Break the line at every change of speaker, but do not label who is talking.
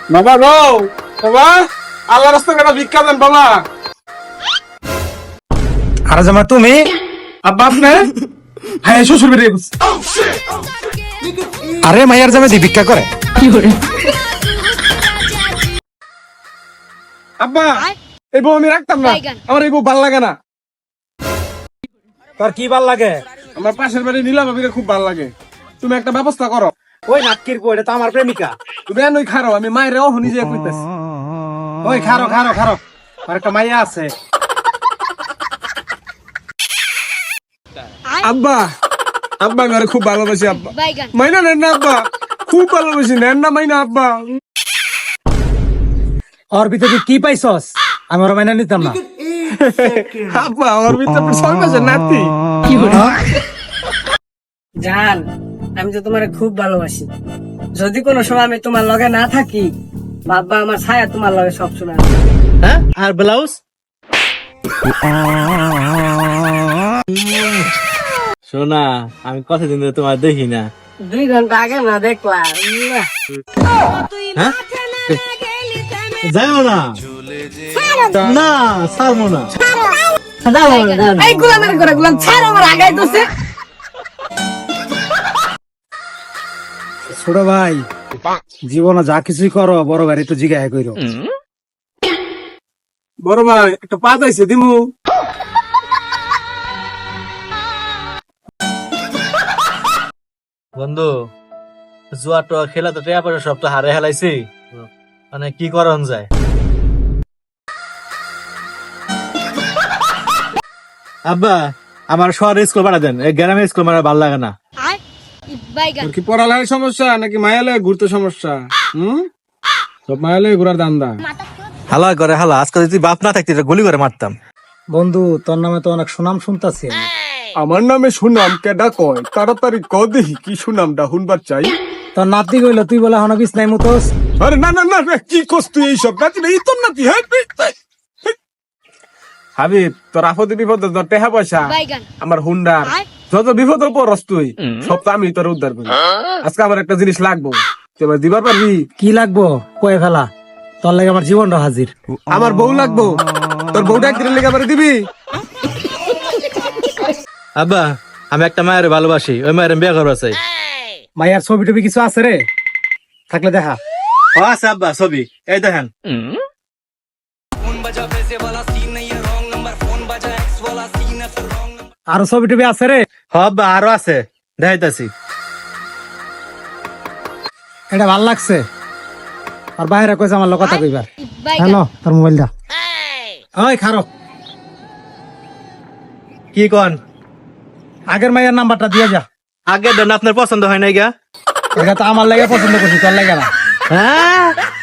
বাবা গো, বাবা আল্লাহ রাস্তায় একটা ভিক্ষা দেন বাবা।
আরে জামা তুমি
আব্বা আপনি? হ্যাঁ শ্বশুর বাড়ি গেছি।
আরে মাইয়ার জামে দি ভিক্ষা করে
আব্বা এই বউ আমি রাখতাম না, আমার এই বউ ভাল লাগে না।
তোর কি ভাল লাগে?
আমার পাশের বাড়ি নীলা ভাবিকে খুব ভাল লাগে, তুমি একটা ব্যবস্থা করো।
ওই নাটকির বউ, এটা তো আমার প্রেমিকা।
তুমি এনই খারো, আমি মায়ের ও নিজে কইতেছি।
ওই খারো খারো খারো, আর একটা মাইয়া আছে।
আব্বা আব্বা আমি আরে খুব ভালোবাসি আব্বা, মাইনা নেন না আব্বা, খুব ভালোবাসি, নেন না মাইনা আব্বা।
ওর ভিতরে তুই কি পাইছস? আমি ওর মাইনা নিতাম না।
আব্বা আমার ভিতরে 6 মাসের নাতি।
জান, আমি তো তোমার খুব ভালোবাসি। যদি কোনো সময় আমি তোমার লগে না থাকি, বাবা আমার ছায়া তোমার লগে সবসময় আছে।
হ্যাঁ, আর ব্লাউজ?
শোনা, আমি কতদিন ধরে তোমার দেখি না।
2 ঘন্টা আগে না দেখলাম।
হ্যাঁ, যাও না না, ছাড়বো না।
এই গুলামের করে গুলাম ছাড়, আমার আগাই দোষে।
ছোট ভাই, জীবনে যা কিছুই করো বড় ভাই তো জিজ্ঞাসা কইরো।
বড় ভাই একটা পা যাইছে দিমু।
বন্ধু, জুয়া টোয়া খেলা তো টেয়া পয়সা সব তো হারে হেলাইছি, মানে কি করন যায়? আব্বা আমার শহরে স্কুল পাঠা দেন, এই গ্রামে স্কুল মানে ভালো লাগে না।
তোর কি পড়ালেখার সমস্যা নাকি মায়ালয়ে ঘুরতে সমস্যা? সব মায়ালয়ে ঘুরার দান্দা।
হালা করে হালা, আজকে যদি বাপ না থাকতি গুলি করে মারতাম।
বন্ধু, তোর নামে তো অনেক সুনাম শুনতাছি আমি।
আমার নামে সুনাম কেডা কয়? তাড়াতাড়ি ক দেখি কি সুনামটা শুনবার চাই।
তোর নাতি কইলো তুই বলে হন বিছ নাই মতোস।
আরে না না না রে, কি কস তুই এইসব? নাতি না, এই তোর নাতি। হ্যাঁ হাবিব, তোর আপদে বিপদে তোর টেহা পয়সা আমার হুন্ডার, যত বিপদের পরস তুই সব তো আমি তোর উদ্ধার করি। আজকে আমার একটা জিনিস লাগবো, তুই এবার দিবার পারবি?
কি লাগবো কয়ে ফেলা, তোর লাগে আমার জীবনটা হাজির।
আমার বউ লাগবো, তোর বউটা একদিনের লেগে আমার দিবি?
আব্বা আমি একটা মায়ের ভালোবাসি, ওই মায়ের বিয়ে করবো চাই।
মাইয়ার ছবি টবি কিছু আছে রে? থাকলে দেখা।
ও আছে আব্বা, ছবি এই দেখেন।
আরো ছবি টবি আছে রে?
হ আব্বা আরো আছে, দেখাইতাছি।
এটা ভাল লাগছে। আর বাইরে কইছে আমার লোক কথা কইবার। হ্যালো, তোর মোবাইল দা। ওই খারো,
কি কন?
আগের মাইয়ার নাম্বারটা দিয়ে যা।
আগের দেন আপনার পছন্দ হয় নাই গা?
এটা তো আমার লাগে পছন্দ করছি, তোর লাগে না।
হ্যাঁ